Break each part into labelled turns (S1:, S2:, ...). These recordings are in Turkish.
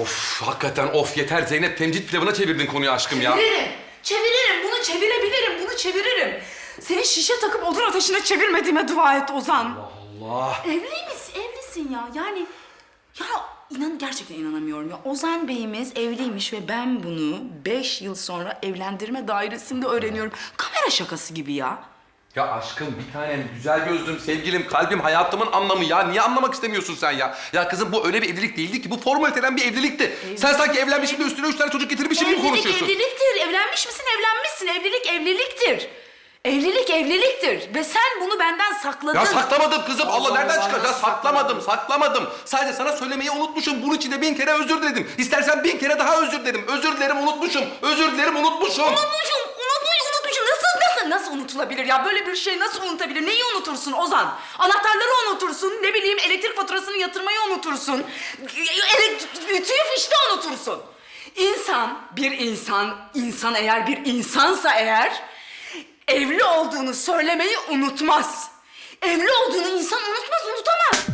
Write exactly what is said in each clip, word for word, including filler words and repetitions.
S1: Of hakikaten of yeter Zeynep. Temcit pilavına çevirdin konuyu aşkım ya.
S2: Çeviririm. Çeviririm. Bunu çevirebilirim. Bunu çeviririm. Seni şişe takıp odun ateşine çevirmediğime dua et Ozan.
S1: Allah Allah.
S2: Evli misin? Evlisin ya. Yani ya inan gerçekten inanamıyorum ya. Ozan Bey'imiz evliymiş ve ben bunu beş yıl sonra evlendirme dairesinde öğreniyorum. Kamera şakası gibi ya.
S1: Ya aşkım bir tanem, güzel gözlüm, sevgilim, kalbim, hayatımın anlamı ya. Niye anlamak istemiyorsun sen ya? Ya kızım bu öyle bir evlilik değildi ki. Bu formaliteden bir evlilikti.
S2: Evlilik.
S1: Sen sanki evlenmişsin de üstüne üç tane çocuk getirmişsin gibi konuşuyorsun.
S2: Evlilik evliliktir. Evlenmiş misin? Evlenmişsin. Evlilik evliliktir. Evlilik evliliktir. Ve sen bunu benden sakladın.
S1: Ya saklamadım kızım. Allah,
S2: Allah
S1: nereden
S2: Allah,
S1: çıkar? Ya
S2: nasıl
S1: saklamadım,
S2: sakladın?
S1: saklamadım. Sadece sana söylemeyi unutmuşum. Bunun için de bin kere özür diledim. İstersen bin kere daha özür dilerim. Özür dilerim, unutmuşum. Özür dilerim, unutmuşum.
S2: Unutmuşum, unutmuş, unutmuşum. Nasıl, nasıl, nasıl unutulabilir ya? Böyle bir şey nasıl unutabilir? Neyi unutursun Ozan? Anahtarları unutursun, ne bileyim elektrik faturasını yatırmayı unutursun. Ütüyü fişte unutursun. İnsan, bir insan, insan eğer bir insansa eğer... evli olduğunu söylemeyi unutmaz. Evli olduğunu insan unutmaz, unutamaz.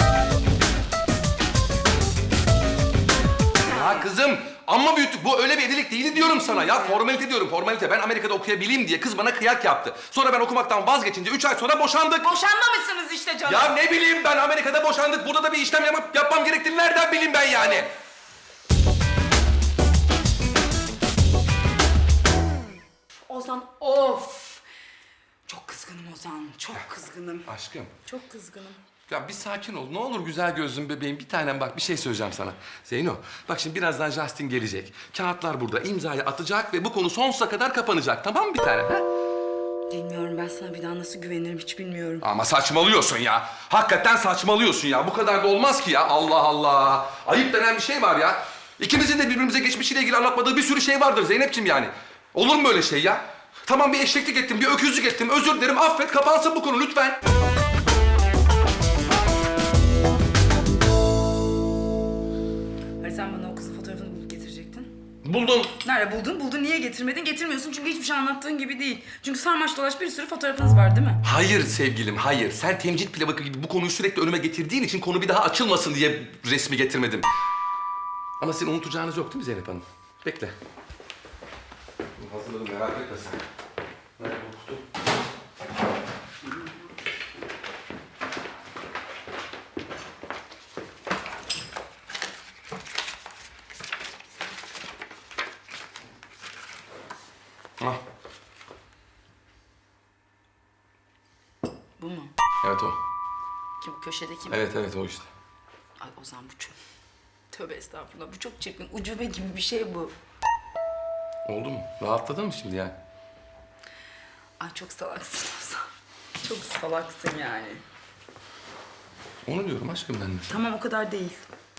S1: Ya kızım amma büyüttük. Bu öyle bir evlilik değildi diyorum sana ya. Formalite diyorum, formalite. Ben Amerika'da okuyabileyim diye kız bana kıyak yaptı. Sonra ben okumaktan vazgeçince üç ay sonra boşandık.
S2: Boşanmamışsınız işte canım.
S1: Ya ne bileyim ben, Amerika'da boşandık. Burada da bir işlem yapıp yapmam gerektiğini nereden bileyim ben yani?
S2: Ozan, of! Çok kızgınım Ozan, çok kızgınım.
S1: Aşkım.
S2: Çok kızgınım.
S1: Ya bir sakin ol. Ne olur güzel gözlüm bebeğim. Bir tanem bak bir şey söyleyeceğim sana. Zeyno bak şimdi birazdan Justin gelecek. Kağıtlar burada, imzayı atacak ve bu konu sonsuza kadar kapanacak. Tamam mı bir tanem? Ha?
S2: Bilmiyorum, ben sana bir daha nasıl güvenirim hiç bilmiyorum.
S1: Ama saçmalıyorsun ya. Hakikaten saçmalıyorsun ya. Bu kadar da olmaz ki ya. Allah Allah. Ayıp denen bir şey var ya. İkimizin de birbirimize geçmişiyle ilgili anlatmadığı bir sürü şey vardır Zeynep'ciğim yani. Olur mu öyle şey ya? Tamam bir eşeklik ettim, bir öküzlük ettim. Özür dilerim, affet, kapansın bu konu lütfen.
S2: Hani sen bana o kızın fotoğrafını bulup getirecektin?
S1: Buldum.
S2: Nerede buldun? Buldun, niye getirmedin? Getirmiyorsun çünkü hiçbir şey anlattığın gibi değil. Çünkü sarmaş dolaş bir sürü fotoğrafınız var değil mi?
S1: Hayır sevgilim, hayır. Sen temcit pilavı gibi bu konuyu sürekli önüme getirdiğin için konu bir daha açılmasın diye resmi getirmedim. Ama sizin unutacağınız yok değil mi Zeynep Hanım? Bekle. Hazırladım, merak etme sen. Nerede bu kutu? Ah,
S2: Bu mu?
S1: evet o.
S2: Kim, köşedeki mi?
S1: Evet evet o işte.
S2: Ay Ozan bu çok... Tövbe estağfurullah, bu çok çirkin. Ucube gibi bir şey bu.
S1: Oldu mu? Rahatladın mı şimdi yani?
S2: Ay çok salaksın Ozan. Çok salaksın yani.
S1: Onu diyorum aşkım ben de.
S2: Tamam, o kadar değil.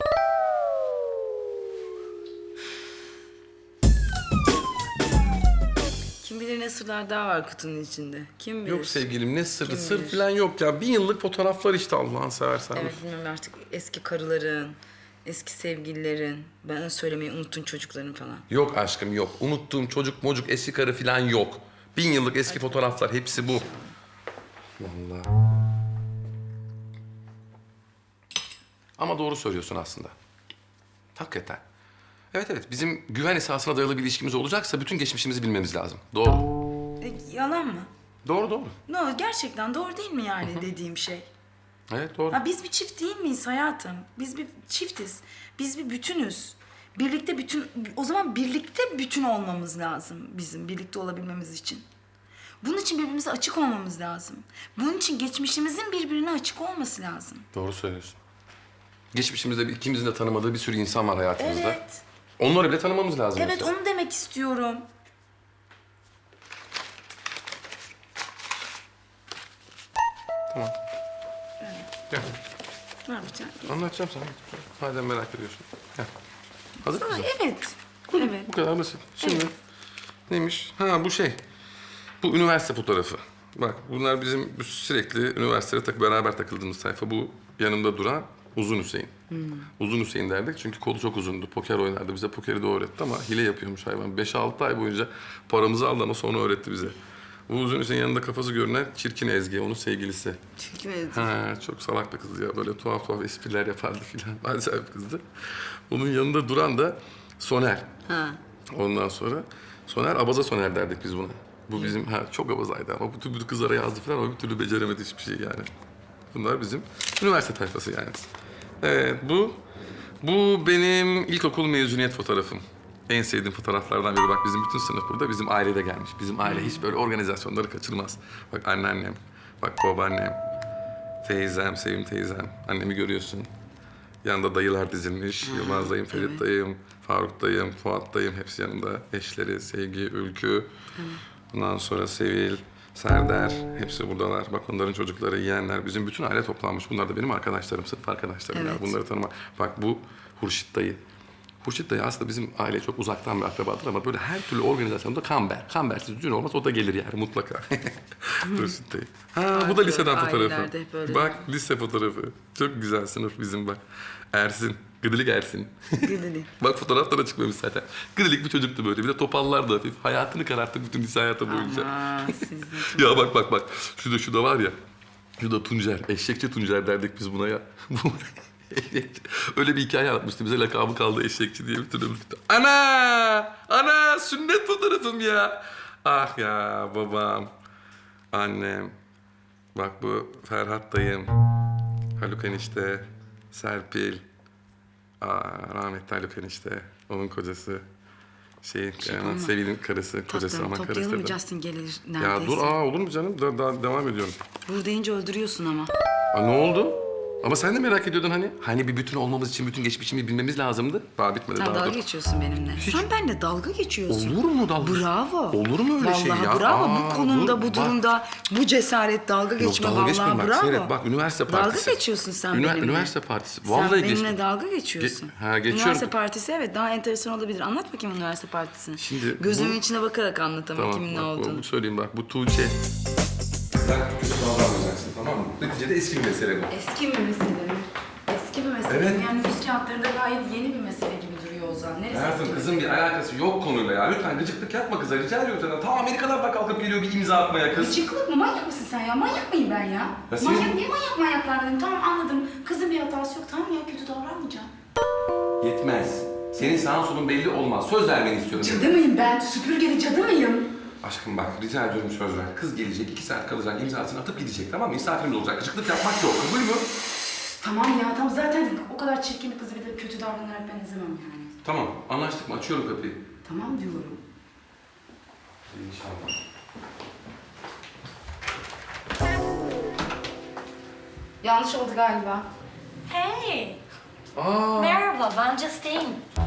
S2: Kim bilir ne sırlar daha var kutunun içinde. Kim bilir?
S1: Yok sevgilim ne sırrı,
S2: Kim
S1: sır
S2: bilir?
S1: falan yok ya. Bin yıllık fotoğraflar işte Allah'ını seversen.
S2: Evet, bilmiyorum artık eski karıların, eski sevgililerin, bana söylemeyi unuttun çocukların falan.
S1: Yok aşkım yok. Unuttuğum çocuk mocuk eski karı falan yok. Bin yıllık eski fotoğraflar hepsi bu. Vallahi. Ama doğru söylüyorsun aslında. Hakikaten. Evet evet bizim güven esasına dayalı bir ilişkimiz olacaksa bütün geçmişimizi bilmemiz lazım. Doğru.
S2: E, yalan mı?
S1: Doğru doğru.
S2: No, gerçekten doğru değil mi yani dediğim şey?
S1: Evet doğru.
S2: Ha, biz bir çift değil miyiz hayatım? Biz bir çiftiz. Biz bir bütünüz. Birlikte bütün... O zaman birlikte bütün olmamız lazım bizim birlikte olabilmemiz için. Bunun için birbirimize açık olmamız lazım. Bunun için geçmişimizin birbirine açık olması lazım.
S1: Doğru söylüyorsun. Geçmişimizde bir- ikimizin de tanımadığı bir sürü insan var hayatımızda.
S2: Evet.
S1: Onları bile tanımamız lazım.
S2: Evet,
S1: mesela.
S2: onu demek istiyorum.
S1: Tamam. Gel.
S2: Ne yapacağım?
S1: Anlatacağım sana. Madem merak ediyorsun. Gel. Hazır
S2: Sana,
S1: mısın?
S2: evet. Evet.
S1: Bu kadar basit. Şimdi
S2: Evet.
S1: neymiş? Ha bu şey. Bu üniversite fotoğrafı. Bak bunlar bizim sürekli üniversitede tak beraber takıldığımız sayfa. Bu yanımda duran Uzun Hüseyin. Uzun Hüseyin derdik çünkü kolu çok uzundu. Poker oynardı. Bize pokeri de öğretti ama hile yapıyormuş hayvan. Beş altı ay boyunca paramızı aldı ama sonra öğretti bize. Uğur Önüs'ün yanında kafası görünen çirkin Ezgi, onun sevgilisi.
S2: Çirkin Ezgi.
S1: Ha, çok salak bir kız ya. Böyle tuhaf tuhaf espriler yapardı filan. Acayip bir kızdı. Onun yanında duran da Soner.
S2: Ha.
S1: Ondan sonra Soner, abaza Soner derdik biz buna. Bu bizim, ha çok abazaydı ama bütün bütün kızlara yazdı falan ama bir türlü beceremedi hiçbir şey yani. Bunlar bizim üniversite tayfası yani. Evet, bu bu benim ilkokul mezuniyet fotoğrafım. En sevdiğim fotoğraflardan biri. Bak bizim bütün sınıf burada, bizim aile de gelmiş. Bizim aile hiç böyle organizasyonları kaçırmaz. Bak anneannem, bak babaannem, teyzem, Sevim teyzem. Annemi görüyorsun. Yanında dayılar dizilmiş. Yılmaz dayım, Ferit
S2: evet.
S1: dayım, Faruk dayım, Fuat dayım hepsi yanında. Eşleri, Sevgi, Ülkü. Ondan sonra Sevil, Serdar hepsi buradalar. Bak onların çocukları, yeğenler. Bizim bütün aile toplanmış. Bunlar da benim arkadaşlarım, sırf arkadaşlarım.
S2: Evet.
S1: Ya. Bunları tanıma. Bak bu Hurşit dayı. Hurşit dayı aslında bizim aileye çok uzaktan bir akrabadır ama böyle her türlü organizasyonda kamber. Kambersiz düğün olmaz, o da gelir yani mutlaka. Hurşit dayı. Ha bu da liseden fotoğrafı.
S2: Ailelerde hep öyle.
S1: Bak lise fotoğrafı. Çok güzel sınıf bizim bak. Ersin. Gıdılık Ersin.
S2: Gıdılık.
S1: Bak fotoğraflara çıkmamış zaten. Gıdılık bir çocuktu böyle. Bir de topallardı hafif. Hayatını kararttı bütün lise hayatı boyunca.
S2: Aa, siz de
S1: Ya bak bak bak. Şurada şurada var ya. Şurada Tuncer. Eşekçi Tuncer derdik biz buna ya. Eşekçi. Öyle bir hikaye anlatmıştı. Bize lakabı kaldı eşekçi diye bir türlü. Ana! Ana! Sünnet fotoğrafım ya. Ah ya babam. Annem. Bak bu Ferhat dayım. Haluk enişte. Serpil. Aa, rahmetli Haluk enişte. Onun kocası. Şeyin, yani Sevil'in karısı, kocası
S2: Tatlım,
S1: ama karısı.
S2: toplayalım mı
S1: da.
S2: Justin gelir neredeyse.
S1: Ya dur, aa olur mu canım? Da, daha devam ediyorum.
S2: Vur deyince öldürüyorsun ama.
S1: Aa, ne oldu? Ama sen de merak ediyordun hani. Hani bir bütün olmamız için bütün geçmişimi bilmemiz lazımdı. Daha bitmedi,
S2: Sen
S1: daha
S2: dalga
S1: dur.
S2: geçiyorsun benimle. Sen benimle dalga geçiyorsun.
S1: Olur mu dalga?
S2: Bravo.
S1: Olur mu öyle
S2: vallahi
S1: şey ya?
S2: bravo.
S1: Aa,
S2: bu konumda,
S1: dur,
S2: bu
S1: bak.
S2: durumda, bu cesaret dalga geçme
S1: dalga
S2: vallahi
S1: geçmiyorum bak,
S2: bravo.
S1: seyret, bak, üniversite partisi.
S2: Dalga geçiyorsun sen
S1: Ünivers-
S2: benimle.
S1: üniversite partisi.
S2: Sen
S1: Vallahi
S2: benimle
S1: geçtim.
S2: dalga geçiyorsun.
S1: Ge- ha, geçiyorum.
S2: Üniversite partisi evet daha enteresan olabilir. Anlat bakayım üniversite partisini.
S1: Şimdi
S2: Gözümün
S1: bu-
S2: içine bakarak anlat ama kimin ne
S1: bak, bu-
S2: olduğunu.
S1: bu söyleyeyim bak, bu Tuğçe. Sen kötü davranmayacaksın, tamam mı? Neticede eski bir mesele bu.
S2: Eski bir mesele mi? Eski bir mesele
S1: Evet.
S2: mi? Yani yüz kağıtlarında gayet yeni bir mesele gibi duruyor Ozan. Neresi
S1: Hayatım
S2: eski
S1: kızın bir alakası yok konuyla ya. Lütfen gıcıklık yapma kıza, rica ediyorum senden. Ta Amerikalardan kalkıp geliyor bir imza atmaya kız.
S2: Gıcıklık mı? Manyak mısın sen ya? Manyak mıyım ben ya?
S1: Ya senin-
S2: Manyak, niye manyak manyaklar dedim? Tamam anladım. Kızın bir hatası yok. Tamam ya kötü davranmayacağım.
S1: Yetmez. Senin sağın solun belli olmaz. Söz vermeni istiyorum.
S2: Cadı mıyım ben? Süpürgeli cadı mıyım?
S1: Aşkım bak rica ediyorum söz ver. Kız gelecek, iki saat kalacak, imzasını atıp gidecek tamam mı? Misafirimiz olacak. Gıcıklık yapmak yok. Kabul mü?
S2: Tamam ya tamam zaten o kadar çirkin bir kızı bir de kötü davranarak ben izlemem yani.
S1: Tamam, anlaştık mı? Açıyorum kapıyı.
S2: Tamam diyorum.
S1: İnşallah.
S2: Yanlış oldu galiba.
S3: Hey,
S1: Aa,
S3: merhaba, ben Justine.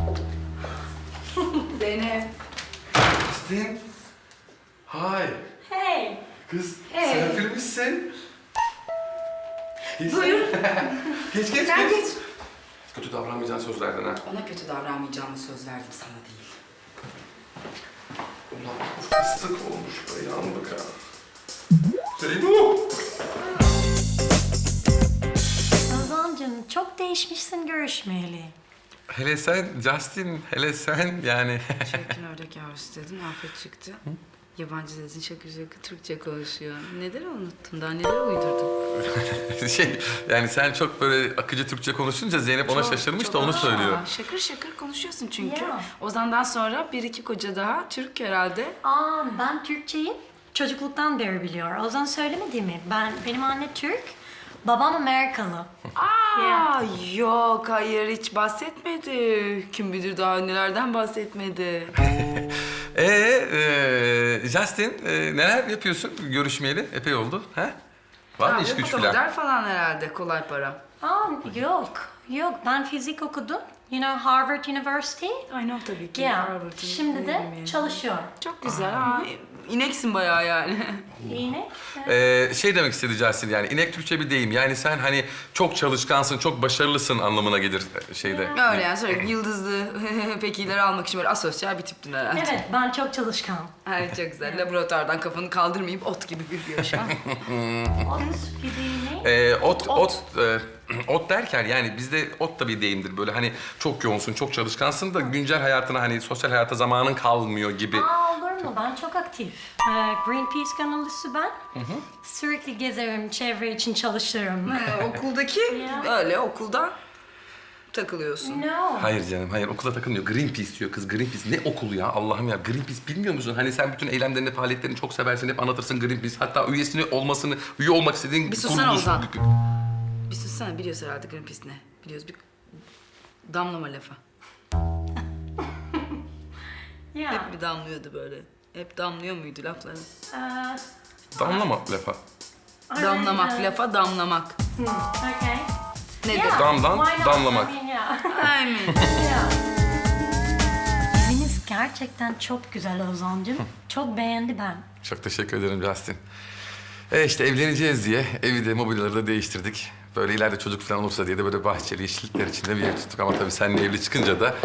S2: Zeynep.
S1: Justin. Hi.
S3: Hey.
S1: Kız,
S2: Hey.
S1: sen filmmişsin. Geç.
S2: Buyur.
S1: Geç, geç,
S2: Sen
S1: geç.
S2: geç.
S1: Kötü davranmayacağın söz verdin ha.
S2: Ona kötü davranmayacağımı söz verdim sana değil.
S1: Ulan bu fıstık olmuş be, yandık ha. Zeyno.
S3: Ozan'cığım çok değişmişsin görüşmeyeli.
S1: Hele sen Justin, hele sen yani.
S2: Çirkin ördek yavrusu dedin, afet çıktı. Yabancı dedin, şakır şakır Türkçe konuşuyor. Neleri unuttun, daha neler uydurdun?
S1: şey yani sen çok böyle akıcı Türkçe konuşunca Zeynep ona
S2: Çok,
S1: şaşırmış
S2: çok-
S1: da onu
S2: Aa,
S1: söylüyor.
S2: Şakır şakır konuşuyorsun çünkü.
S3: Ya.
S2: Ozan'dan sonra bir iki koca daha Türk herhalde.
S3: Aa, ben Türkçeyi çocukluktan beri biliyor. Ozan söylemedi mi? Ben, benim anne Türk, babam Amerikalı.
S2: Aa,
S3: Ya.
S2: yok hayır hiç bahsetmedi. Kim bilir daha nelerden bahsetmedi.
S1: Ee, e, Justin e, neler yapıyorsun görüşmeyeli? Epey oldu. Ha? Var mı
S2: Abi,
S1: iş güç falan?
S2: fotomodel falan herhalde kolay para.
S3: Aa, yok, yok. Ben fizik okudum. You know, Harvard University.
S2: I know tabii ki.
S3: Yeah.
S2: Harvard'ın
S3: Şimdi de
S2: bilmiyorum.
S3: çalışıyorum.
S2: Çok güzel. Aa, ineksin bayağı yani.
S3: İğne.
S1: Ee, şey demek istedi Justin yani inek Türkçe bir deyim. Yani sen hani çok çalışkansın, çok başarılısın anlamına gelir şeyde.
S2: Öyle yani sürekli yıldızlı pekileri almak için böyle asosyal bir tiptin herhalde.
S3: Evet, ben çok çalışkan.
S2: Ay çok güzel. Laboratuvardan kafanı kaldırmayıp ot gibi büyüyor şu an.
S3: Ot gibi ne?
S1: Ee, ot, ot,
S2: Ot.
S1: e, ot derken yani bizde ot da bir deyimdir. Böyle hani çok yoğunsun, çok çalışkansın da güncel hayatına hani sosyal hayata zamanın kalmıyor gibi.
S3: Aa, olur mu mu? Ben çok aktif. Ee, Greenpeace gönüllüsü ben. Sürekli gezerim, çevre için çalışırım.
S2: Ee, okuldaki
S3: Ya.
S2: öyle okulda takılıyorsun.
S3: No.
S1: Hayır canım, hayır. Okula takılmıyor. Greenpeace diyor kız. Greenpeace. Ne okulu ya? Allah'ım ya. Greenpeace bilmiyor musun? Hani sen bütün eylemlerini, faaliyetlerini çok seversin. Hep anlatırsın Greenpeace. Hatta üyesini olmasını, üye olmak istediğin
S2: Bir sussana
S1: kuruluş-
S2: Ozan. Bir sussana, biliyoruz herhalde Greenpeace ne? Biliyoruz, bir damlama lafa.
S3: Ya.
S2: Hep bir damlıyordu böyle. Hep damlıyor muydu lafları?
S3: Ee,
S1: Damlama lafa.
S2: Damlamak,
S3: aynen.
S2: lafa damlamak.
S3: Hmm, okay.
S2: Nedir?
S3: Yeah,
S1: Damdan,
S3: why not?
S1: damlamak.
S3: I mean, yeah.
S2: Aynen.
S3: Yeah. Eviniz gerçekten çok güzel Ozan'cığım. Çok beğendi ben.
S1: Çok teşekkür ederim Justin. E işte evleneceğiz diye evi de mobilyaları da değiştirdik. Böyle ileride çocuk falan olursa diye de böyle bahçeli yeşillikler içinde bir ev tuttuk. Ama tabii seninle evli çıkınca da...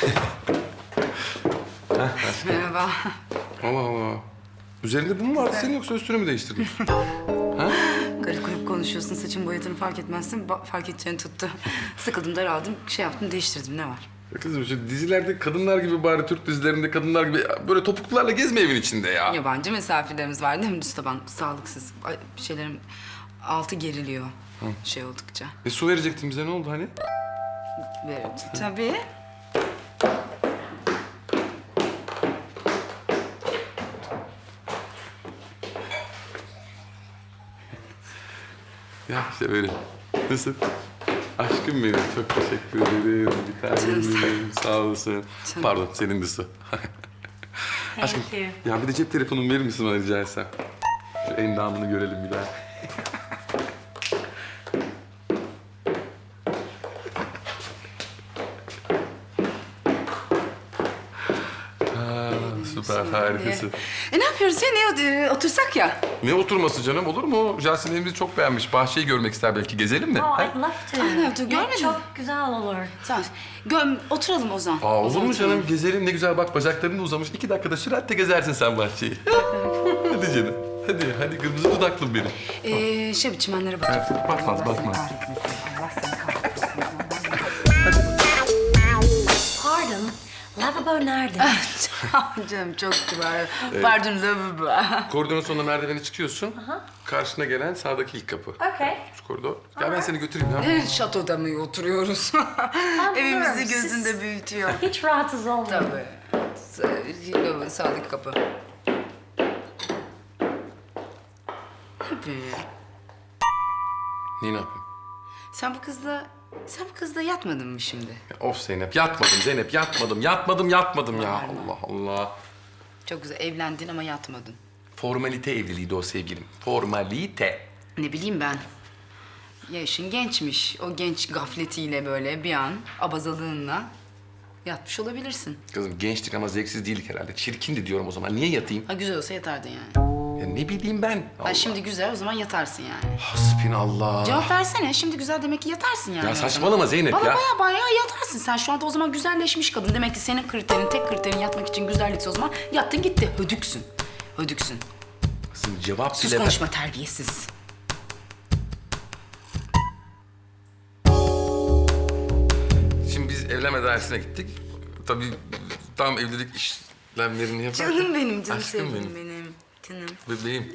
S2: Merhaba.
S1: Allah Allah. Üzerinde bu mu vardı senin yoksa üstünü mü değiştirdin?
S2: Garip garip konuşuyorsun, saçın boyadığını fark etmezsin. Ba- fark edeceğini tuttu. Sıkıldım, daraldım, şey yaptım, değiştirdim. Ne var?
S1: Ya kızım şu dizilerde kadınlar gibi bari Türk dizilerinde kadınlar gibi böyle topuklularla gezme evin içinde ya.
S2: Yabancı misafirlerimiz var değil mi Mustafa? Sağlıksız. Ay, bir şeylerin altı geriliyor şey oldukça.
S1: E su verecektin bize ne oldu hani?
S2: Evet. Tabii.
S1: Ya işte böyle. Nasıl? Aşkım benim. Çok teşekkür ederim. Bir tanem benim. Sağ olasın.
S2: Canım.
S1: Pardon senin de su. Aşkım.
S3: Thank you.
S1: Ya bir de cep telefonumu verir misin bana rica etsem? Şu endamını görelim bir daha. Ha, süper, harikasın.
S2: E ne yapıyoruz ya? Ne e, otursak ya?
S1: Ne oturması canım olur mu? Jasin evimizi çok beğenmiş. Bahçeyi görmek ister belki. Gezelim mi?
S3: Oh,
S1: Ha?
S3: I'd love to.
S2: Ay, ne yaptın,
S3: Ya,
S2: görmedin mi?
S3: Çok güzel olur.
S2: Tamam. Göm, oturalım Ozan.
S1: Aa, olur
S2: Ozan,
S1: mu
S2: oturalım.
S1: canım? Gezelim ne güzel bak bacakların da uzamış. İki dakikada süratle gezersin sen bahçeyi. Hadi canım. Hadi, hadi kırmızı dudaklım benim.
S2: Ee, şey çimenlere bakayım.
S1: Evet, bakmaz,
S2: Allah seni
S1: bakmaz.
S2: kahretmesin, Allah seni kahretmesin.
S3: Pardon, lavabo nerede?
S2: Canım çok kibar. Pardon lavabo.
S1: Koridorun sonuna merdiveni çıkıyorsun. Karşına gelen sağdaki ilk kapı.
S3: Okay.
S1: Şu koridor. Gel ben seni götüreyim ya.
S2: Evet, şatoda mı oturuyoruz? Evimizi
S3: biliyorum,
S2: gözünde
S3: siz-
S2: büyütüyor.
S3: Hiç rahatsız olmayın.
S2: Tabii. Sa- Lavabo sağdaki kapı. Tabii.
S1: Niye ne yapayım?
S2: Sen bu kızla, sen bu kızla yatmadın mı şimdi?
S1: Ya, of Zeynep yatmadım Zeynep yatmadım yatmadım yatmadım ya. Allah Allah.
S2: Çok güzel, evlendin ama yatmadın.
S1: Formalite evliliğiydi o sevgilim. Formalite.
S2: Ne bileyim ben. Yaşın gençmiş. O genç gafletiyle böyle bir an abazalığınla yatmış olabilirsin.
S1: Kızım gençtik ama zevksiz değildik herhalde. Çirkindi diyorum o zaman. Niye yatayım?
S2: Ha güzel olsa yatardın yani.
S1: Ya ne bileyim ben.
S2: Ha
S1: Allah.
S2: şimdi güzel o zaman yatarsın yani.
S1: Hasbinallah.
S2: Cevap versene. Şimdi güzel demek ki yatarsın yani.
S1: Ya
S2: o zaman.
S1: saçmalama Zeynep
S2: Bana
S1: ya.
S2: baya baya yatarsın. Sen şu anda o zaman güzelleşmiş kadın. Demek ki senin kriterin, tek kriterin yatmak için güzellikse o zaman yattın gitti. Hödüksün. Hödüksün.
S1: Kızım cevap
S2: Sus
S1: bile ver-
S2: konuşma terbiyesiz.
S1: Şimdi biz evlenme dairesine gittik. Tabii tam evlilik işlemlerini yaparken...
S2: Canım benim, canım
S1: Aşkım
S2: sevgilim
S1: benim.
S2: benim. Canım.
S1: Bebeğim.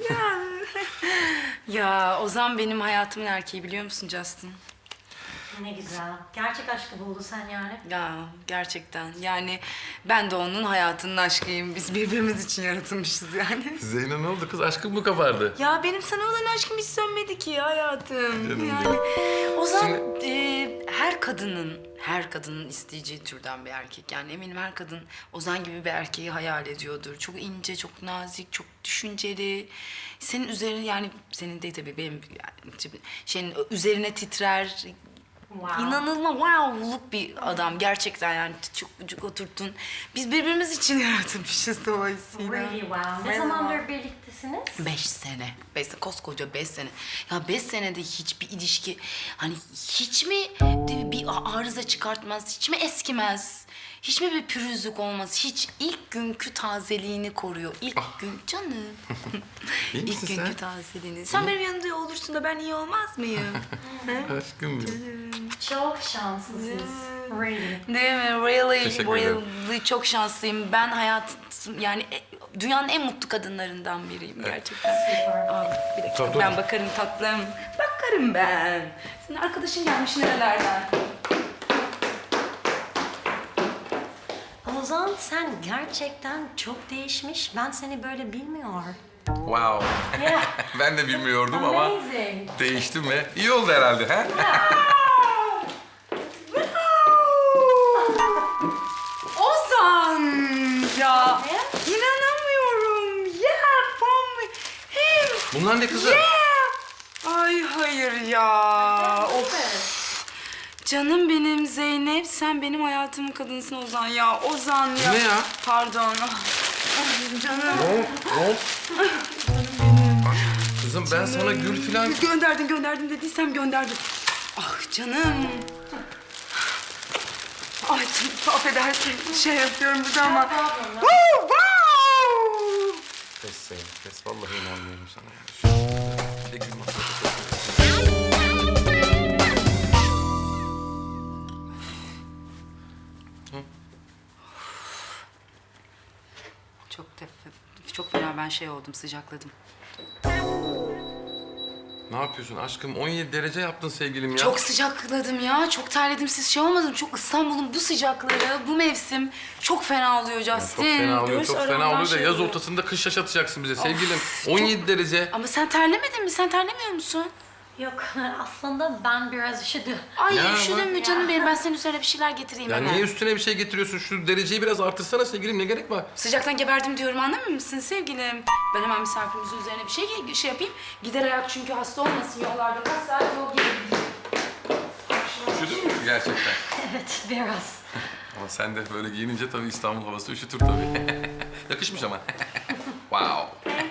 S2: Ya Ozan benim hayatımın erkeği biliyor musun Justin?
S3: Ne güzel. Gerçek aşkı buldu sen yani.
S2: Ya gerçekten yani ben de onun hayatının aşkıyım. Biz birbirimiz için yaratılmışız yani.
S1: Zeynep ne oldu kız? Aşkın mı kabardı?
S2: Ya benim sana olan aşkım hiç sönmedi ki hayatım.
S1: Canım
S2: yani
S1: benim.
S2: Ozan e, her kadının, her kadının isteyeceği türden bir erkek. Yani eminim her kadın Ozan gibi bir erkeği hayal ediyordur. Çok ince, çok nazik, çok düşünceli. Senin üzerine yani senin değil tabii benim yani, şeyin üzerine titrer.
S3: Wow.
S2: İnanılmaz wow'luk bir adam gerçekten yani çok ucuk oturttun. Biz birbirimiz için yaratılmışız dolayısıyla.
S3: Really wow. Ne zamandır birliktesiniz?
S2: Beş sene. Beş sene. Koskoca beş sene. Ya beş senede hiçbir ilişki hani hiç mi bir arıza çıkartmaz, hiç mi eskimez? Hiç mi bir pürüzlük olmaz? Hiç ilk günkü tazeliğini koruyor. İlk gün canım.
S1: İyi
S2: İlk
S1: misin
S2: günkü
S1: sen?
S2: tazeliğini. Sen benim yanımda olursun da ben iyi olmaz mıyım?
S1: Aşkım benim.
S3: Çok şanslısınız. Really.
S2: Değil mi? Really,
S1: Teşekkür ederim.
S2: really çok şanslıyım. Ben hayat yani e, dünyanın en mutlu kadınlarından biriyim gerçekten. Aa, bir dakika
S1: Tabii, tabii.
S2: ben bakarım tatlım. Bakarım ben. Senin arkadaşın gelmiş nerelerden?
S3: Ozan sen gerçekten çok değişmiş. Ben seni böyle bilmiyorum.
S1: Wow.
S3: Yeah.
S1: Ben de bilmiyordum ama
S3: Amazing.
S1: değiştim ve iyi oldu herhalde. He?
S2: Ozan ya. İnanamıyorum. Yeah, from him.
S1: Bunlar ne kızı?
S2: Yeah. Ay hayır ya. Of. Canım benim Zeynep, sen benim hayatımın kadınsın Ozan ya. Ozan ya.
S1: Ne ya?
S2: Pardon. Ah, canım.
S1: Ne oldu? Kızım ben sana gül falan...
S2: Gönderdin gönderdim dediysem gönderdim. Ah canım. Ay canım, affedersin şey yapıyorum burada ama. Woo, wow!
S1: Kes Zeynep, kes. Vallahi inanmıyorum sana. Ya. Şu- Bir de gül masası.
S2: Çok tef- çok fena ben şey oldum, sıcakladım.
S1: Ne yapıyorsun aşkım? on yedi derece yaptın sevgilim ya.
S2: Çok sıcakladım ya, çok terledim. Siz şey olmadın, çok İstanbul'un bu sıcakları, bu mevsim çok fena oluyor Justin.
S1: Çok fena oluyor,
S2: Göğüs
S1: çok fena
S2: aramdan
S1: oluyor da
S2: şey
S1: yaz
S2: oluyor.
S1: ortasında kış yaşatacaksın bize sevgilim. on yedi derece.
S2: Ama sen terlemedin mi? Sen terlemiyor musun?
S3: Yok aslında ben biraz üşüdüm.
S2: Ay
S1: Ya
S2: üşüdün
S1: bak-
S2: mü canım benim? Ben senin üzerine bir şeyler getireyim
S1: Ya
S2: hemen.
S1: niye üstüne bir şey getiriyorsun? Şu dereceyi biraz artırsana sevgilim. Ne gerek var?
S2: Sıcaktan geberdim diyorum, anlamıyor musun sevgilim? Ben hemen misafirimizin üzerine bir şey şey yapayım. Gider ayak çünkü hasta olmasın yollarda. Kaç saat yol gelir.
S1: Üşüdün mü gerçekten?
S3: Evet biraz.
S1: Ama sen de böyle giyinince tabii İstanbul havası üşütür tabii. Yakışmış ama. Wow.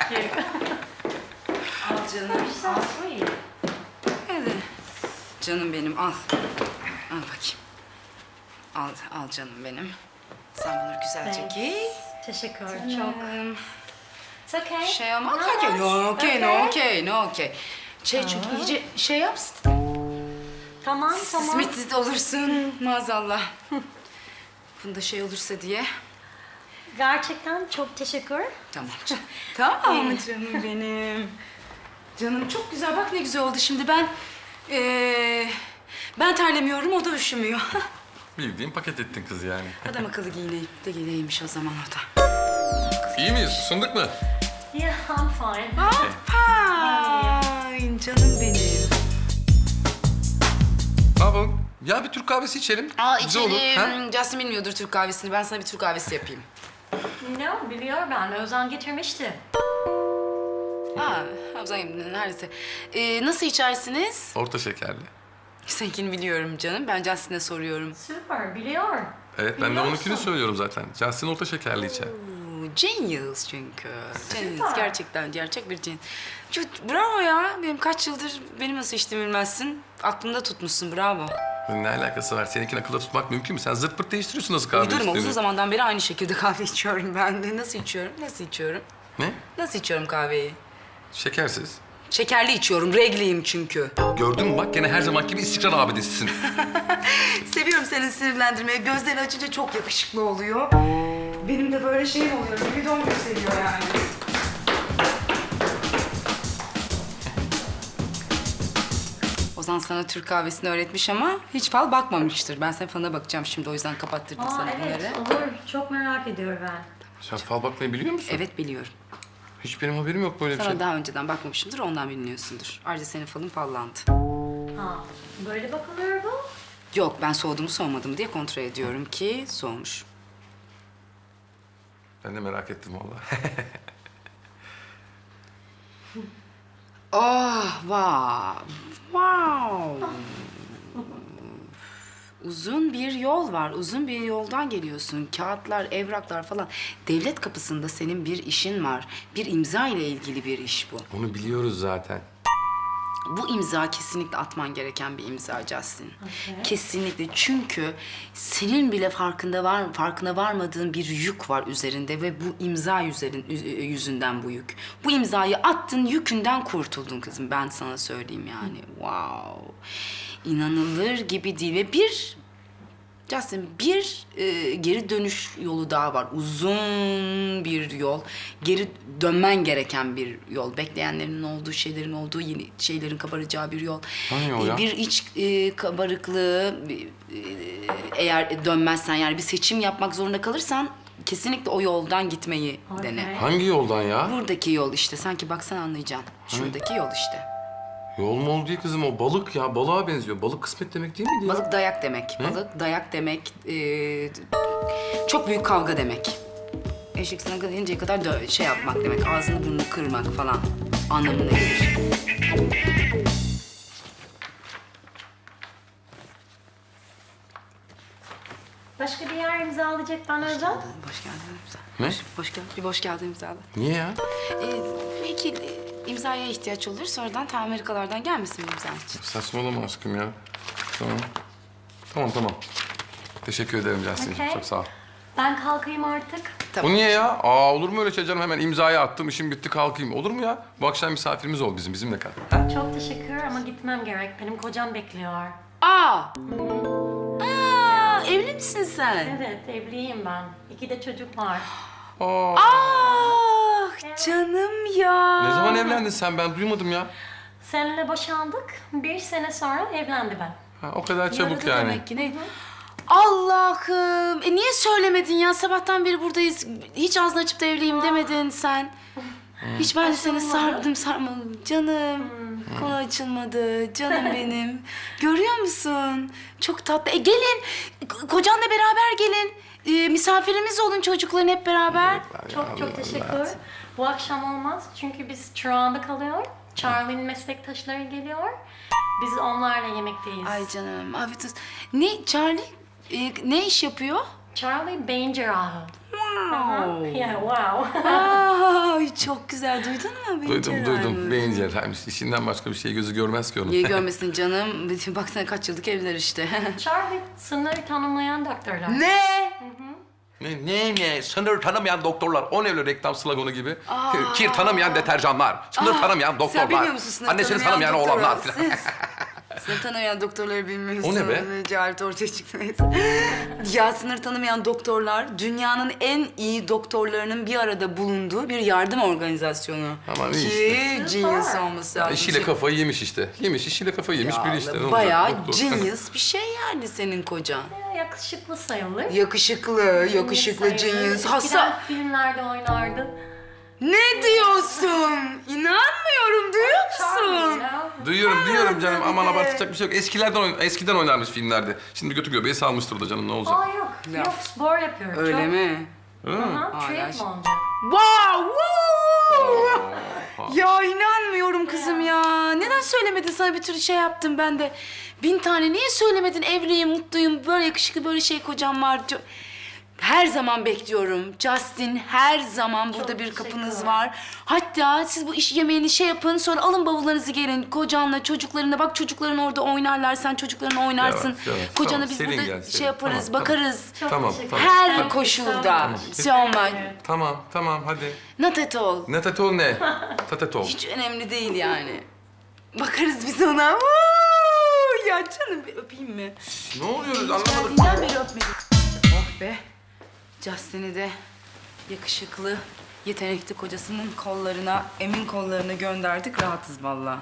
S2: Al canım.
S3: So sweet.
S2: Hadi. Canım benim al. Al bakayım. Al, al canım benim. Sen bunu güzelce giy.
S3: Teşekkür çok.
S2: Hmm,
S3: It's okay.
S2: Şey ama
S3: No,
S2: okey, okey, no
S3: that's
S2: okey, no
S3: okay.
S2: okey, no okey. Şey çünkü iyice şey yapsın.
S3: Tamam tamam.
S2: Simitsiz olursun maazallah. Bunda şey olursa diye.
S3: Gerçekten çok teşekkür.
S2: Tamam canım. Tamam canım benim. Canım çok güzel. Bak ne güzel oldu şimdi. Ben eee ben terlemiyorum, o da üşümüyor.
S1: Bildiğin paket ettin kızı yani.
S2: Adam akıllı giyineyip de giyineymiş o zaman o da.
S1: İyi miyiz? Isındık mı?
S3: Yeah, I'm fine.
S2: Fine canım benim.
S1: Ne yapalım? Ya bir Türk kahvesi içelim.
S2: Aa
S1: Güzel olur, ha?
S2: içelim. Justin bilmiyordur Türk kahvesini. Ben sana bir Türk kahvesi yapayım.
S3: No, biliyor ben. Ozan getirmişti.
S2: Aa, Hamza neredeyse. Ee, nasıl içersiniz?
S1: Orta şekerli.
S2: Seninkini biliyorum canım. Ben Justin'e soruyorum.
S3: Süper, biliyor.
S1: Evet ben de
S3: Biliyorsun.
S1: onunkini söylüyorum zaten. Justin orta şekerli içer.
S2: Oo, Genius çünkü. Genius.
S3: Süper.
S2: Gerçekten gerçek bir genius. Çok- Bravo ya. Benim kaç yıldır benim nasıl içtiğimi bilmezsin. Aklında tutmuşsun. Bravo.
S1: Ne alakası var? Seninkini akılda tutmak mümkün mü? Sen zırt pırt değiştiriyorsun nasıl kahve
S2: Uydurma.
S1: içtiğini.
S2: Uzun zamandan beri aynı şekilde kahve içiyorum ben de. Nasıl içiyorum? Nasıl içiyorum?
S1: Ne?
S2: Nasıl içiyorum kahveyi?
S1: Şekersiz.
S2: Şekerli içiyorum. Regliyim çünkü.
S1: Gördün mü bak gene her zaman gibi istikrar abidesisin.
S2: Seviyorum seni sinirlendirmeyi. Gözlerini açınca çok yakışıklı oluyor. Benim de böyle şeyim oluyor. Libidom yükseliyor yani. Ozan sana Türk kahvesini öğretmiş ama hiç fal bakmamıştır. Ben senin falına bakacağım şimdi, o yüzden kapattırdım
S3: Aa,
S2: sana
S3: evet,
S2: bunları.
S3: olur. Çok merak ediyorum ben.
S1: Sen fal bakmayı biliyor musun?
S2: Evet biliyorum.
S1: Hiç benim haberim yok böyle bir
S2: Sana
S1: şey.
S2: daha önceden bakmamışımdır, ondan bilmiyorsundur. Ayrıca senin falın fallandı.
S3: Ha, böyle bakılıyor bu.
S2: Yok, ben soğudu mu soğumadı mı diye kontrol ediyorum ki soğumuş.
S1: Ben de merak ettim vallahi.
S2: Oh, wow. Wow. Uzun bir yol var. Uzun bir yoldan geliyorsun. Kağıtlar, evraklar falan. Devlet kapısında senin bir işin var. Bir imza ile ilgili bir iş bu.
S1: Onu biliyoruz zaten.
S2: Bu imza kesinlikle atman gereken bir imza Justin.
S3: Okey.
S2: Kesinlikle. Çünkü senin bile farkında var, farkına varmadığın bir yük var üzerinde ve bu imza yüzerin, yüzünden bu yük. Bu imzayı attın, yükünden kurtuldun kızım. Ben sana söyleyeyim yani. Wow. İnanılır gibi değil ve bir Justin, bir e, geri dönüş yolu daha var. Uzun bir yol. Geri dönmen gereken bir yol. Bekleyenlerin olduğu, şeylerin olduğu, yeni şeylerin kabaracağı bir yol.
S1: Hangi yol
S2: E,
S1: ya?
S2: Bir iç e, kabarıklığı e, eğer dönmezsen, yani bir seçim yapmak zorunda kalırsan kesinlikle o yoldan gitmeyi
S3: Okey.
S2: dene.
S1: Hangi yoldan ya?
S2: Buradaki yol işte. Sanki baksan anlayacaksın. Şuradaki yol işte.
S1: Yol mu oldu değil kızım, o balık ya. Balığa benziyor. Balık kısmet demek değil miydi ya?
S2: Balık dayak demek.
S1: Ne?
S2: Balık dayak demek. e, çok büyük kavga demek. Eşek sana gelinceye kadar dö- şey yapmak demek. Ağzını burnunu kırmak falan anlamına gelir.
S3: Başka bir yer imzalayacaktan özel.
S2: Boş geldin imza.
S1: Ne?
S2: Boş, boş gel, bir boş geldin imzala.
S1: Niye ya?
S2: Ee, belki e, imzaya ihtiyaç olur. Sonradan ta Amerikalardan gelmesin imza için.
S1: Saçmalama aşkım ya. Tamam. Tamam tamam. Teşekkür ederim Justin'cim.
S3: Okey.
S1: Çok sağ ol.
S3: Ben kalkayım artık.
S1: O niye ya? Aa, olur mu öyle şey canım? Hemen imzayı attım, işim bitti, kalkayım. Olur mu ya? Bu akşam misafirimiz ol bizim, bizimle kal. Ha?
S3: Çok teşekkür ama gitmem gerek. Benim kocam bekliyor.
S2: Aa! Aa! Evli misin sen?
S3: Evet, evliyim ben. İki de çocuk var.
S1: Aa,
S2: Ah canım ya.
S1: ne zaman evlendin sen? Ben duymadım ya.
S3: Seninle boşandık. Bir sene sonra evlendi ben.
S1: Ha, o kadar çabuk
S2: Yaradı
S1: yani.
S2: demek ki ne? Allah'ım. E niye söylemedin ya? Sabahtan beri buradayız. Hiç ağzını açıp da evliyim demedin sen. Hiç ben de seni sardım sarmadım. Canım. Konu açılmadı. Canım benim. Görüyor musun? Çok tatlı. E gelin. K- Kocanla beraber gelin. E, misafirimiz olun çocukların hep beraber.
S3: Çok çok teşekkür. Bu akşam olmaz çünkü biz Toronto'da kalıyor. Charlie'nin meslektaşları geliyor. Biz onlarla yemekteyiz.
S2: Ay canım. Afiyet olsun. Ne Charlie? e, ne iş yapıyor?
S3: Charlie beyin cerrahı.
S2: Wow.
S3: Yeah, wow.
S2: Ay çok güzel. Duydun mu? Beyin
S1: Duydum
S2: cerrahı?
S1: duydum. Beyin cerrahıymış. İşinden başka bir şey gözü görmez ki onun.
S2: Niye görmesin canım? Baksana kaç yıllık evliler işte.
S3: Charlie sınır tanımlayan doktorlar.
S2: Ne?
S1: Ne ne ne? Sınır tanımayan doktorlar. O ne öyle reklam sloganı gibi? Kir tanımayan deterjanlar. Sınır tanımayan doktorlar.
S2: Sen bilmiyor musun sınır
S1: Annesini
S2: tanımayan
S1: tanımayan oğlanlar
S2: doktoru?
S1: falan.
S2: Sınır tanımayan doktorları bilmiyorsun.
S1: O ne be?
S2: Cehalet ortaya çıktı neyse. Ya sınır tanımayan doktorlar dünyanın en iyi doktorlarının bir arada bulunduğu bir yardım organizasyonu.
S1: Aman iyi
S2: Ki genius olması lazım.
S1: İşiyle kafayı yemiş işte. Yemiş, işiyle kafayı yemiş
S2: Ya
S1: biri işte. Ne olacak?
S2: bayağı
S1: Doktor.
S2: genius bir şey yani senin kocan.
S3: Yakışıklı sayılır.
S2: Yakışıklı, yakışıklı
S3: Sayılır.
S2: genius.
S3: Eskiden
S2: Hasta...
S3: filmlerde oynardı.
S2: Ne diyorsun? İnanmıyorum, duyuyor musun?
S1: Duyuyorum, duyuyorum canım.
S2: tabii
S1: Aman
S2: de.
S1: abartacak bir şey yok. Eskilerden oyn- eskiden oynarmış filmlerde. Şimdi götü göbeği salmıştır da canım, ne olacak?
S3: Aa yok, yok spor yapıyorum.
S2: Öyle
S3: çok.
S2: mi?
S3: Aha,
S2: Aa,
S3: triathlon
S2: gerçekten.
S3: olacak.
S2: Wow! Woo! Ya inanmıyorum kızım ya. Neden söylemedin, sana bir tür şey yaptım ben de. Bin tane niye söylemedin? Evliyim, mutluyum, böyle yakışıklı, böyle şey kocam var. Çok- Her zaman bekliyorum. Justin, her zaman burada bir kapınız
S3: teşekkürler.
S2: var. Hatta siz bu iş yemeğini şey yapın, sonra alın bavullarınızı gelin. Kocanla, çocuklarına. Bak çocukların orada oynarlar, sen çocuklarına oynarsın.
S1: Yavaş, yavaş.
S2: Kocana
S1: Tamam,
S2: biz
S1: serin
S2: burada
S1: gel, serin.
S2: şey yaparız,
S1: Tamam,
S2: bakarız.
S3: Çok
S1: Tamam,
S3: teşekkür
S1: tamam.
S3: ederim.
S2: Her
S3: Thank you
S2: koşulda.
S3: so much.
S2: So much.
S3: Evet.
S1: Tamam, tamam hadi.
S2: Not at all.
S1: Ne tatol ne? Tatatol.
S2: Hiç önemli değil yani. Bakarız biz ona. Woo! Ya canım bir öpeyim mi?
S1: Ne oluyoruz anlamadım.
S2: Geldiğinden beri öpmedim. Oh be. Justin'i de yakışıklı, yetenekli kocasının kollarına, emin kollarına gönderdik. Rahatız vallahi.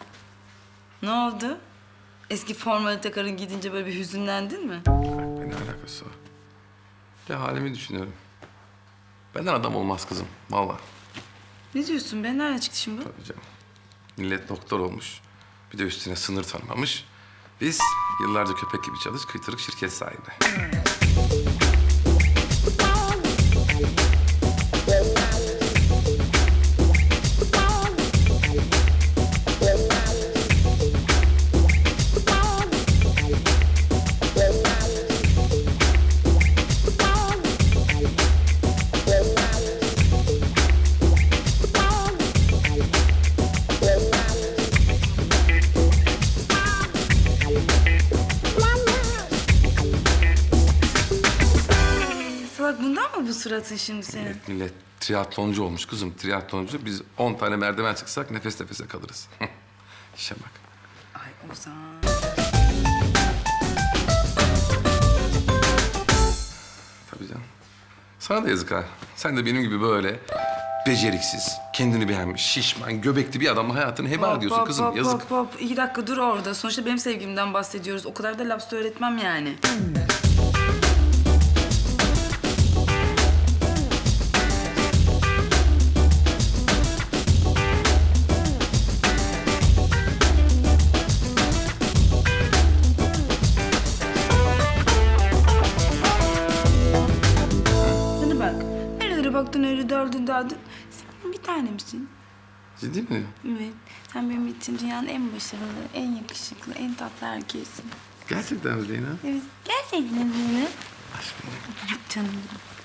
S2: Ne oldu? Eski formalite karın gidince böyle bir hüzünlendin mi?
S1: Ne alakası var? Ya halimi düşünüyorum. Benden adam olmaz kızım, vallahi.
S2: Ne diyorsun be? Nereden çıktı şimdi bu?
S1: Tabii canım. Millet doktor olmuş. Bir de üstüne sınır tanımamış. Biz yıllarca köpek gibi çalış, kıytırık şirket sahibi.
S2: Salak bundan mı bu suratın şimdi senin?
S1: Millet triatloncu olmuş kızım, triatloncu. Biz on tane merdiven çıksak nefes nefese kalırız. İşe bak.
S2: Ay Ozan.
S1: tabii canım. Sana da yazık ha. Sen de benim gibi böyle beceriksiz, kendini beğenmiş, şişman, göbekli bir adamla hayatını heba ediyorsun
S2: hop,
S1: kızım.
S2: hop,
S1: Yazık.
S2: Hop hop İki dakika dur orada. Sonuçta benim sevgimden bahsediyoruz. O kadar da laf söyletmem yani. Bana bak. Nerelere baktın öyle daldın daldın. Sen bir tanemsin.
S1: Ciddi mi?
S2: Evet. Sen benim için dünyanın en başarılı, en yakışıklı, en tatlı erkeğisin.
S1: Gerçekten mi Zeynep?
S2: Evet. Gerçekten mi?
S1: Aşkım.
S2: Canım.